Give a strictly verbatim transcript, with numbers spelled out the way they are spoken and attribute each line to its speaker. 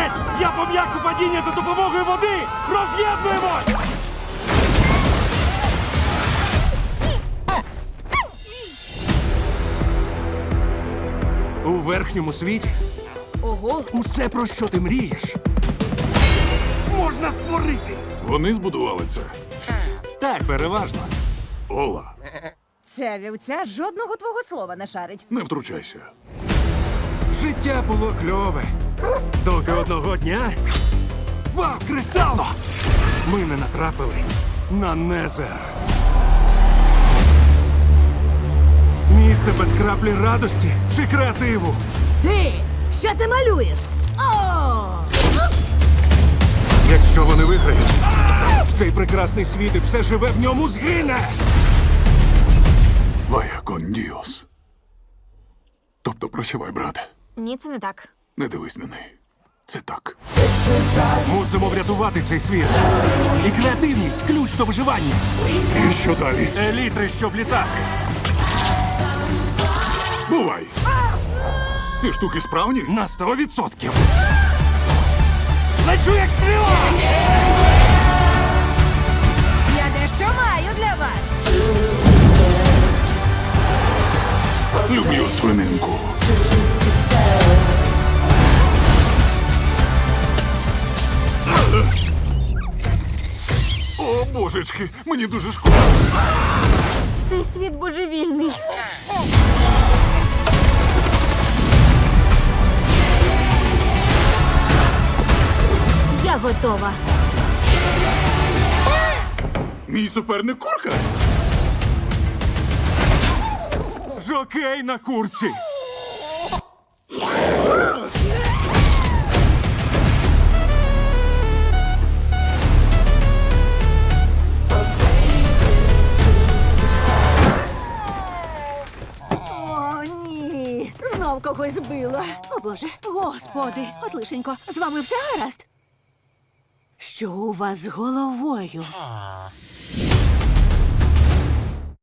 Speaker 1: Тримайтесь! Я пом'якшу падіння за допомогою води! Роз'єднуємось! У верхньому світі
Speaker 2: Ого.
Speaker 1: усе, про що ти мрієш, можна створити.
Speaker 3: Вони збудували це.
Speaker 1: Так, переважно.
Speaker 3: Ола,
Speaker 4: Ця вівця жодного твого слова не шарить.
Speaker 3: не втручайся.
Speaker 1: Життя було кльове. Доки одного дня. Вау, кресало! Ми не натрапили на Незер. Місце без краплі радості чи креативу.
Speaker 4: Ти! Що ти малюєш? О!
Speaker 1: Якщо вони виграють, цей прекрасний світ і все живе в ньому згине.
Speaker 3: Вая кон діос. Тобто прощавай, брате.
Speaker 2: Ні, це не так.
Speaker 3: Не дивись на неї. Це так.
Speaker 1: Мусимо врятувати цей світ. І креативність – ключ до виживання.
Speaker 3: І що далі?
Speaker 1: Елітри, щоб літати.
Speaker 3: Бувай! Ці штуки справні?
Speaker 1: На сто відсотків. Лечу як стріла!
Speaker 4: Я дещо маю для вас.
Speaker 3: Люблю свининку. О, божечки, мені дуже шкода.
Speaker 2: Цей світ божевільний. Я готова.
Speaker 3: Мій суперник курка?
Speaker 1: Жокей на курці.
Speaker 4: О, ні. Знов когось збила. О, Боже. Господи. От лишенько. З вами все гаразд? Що у вас з головою?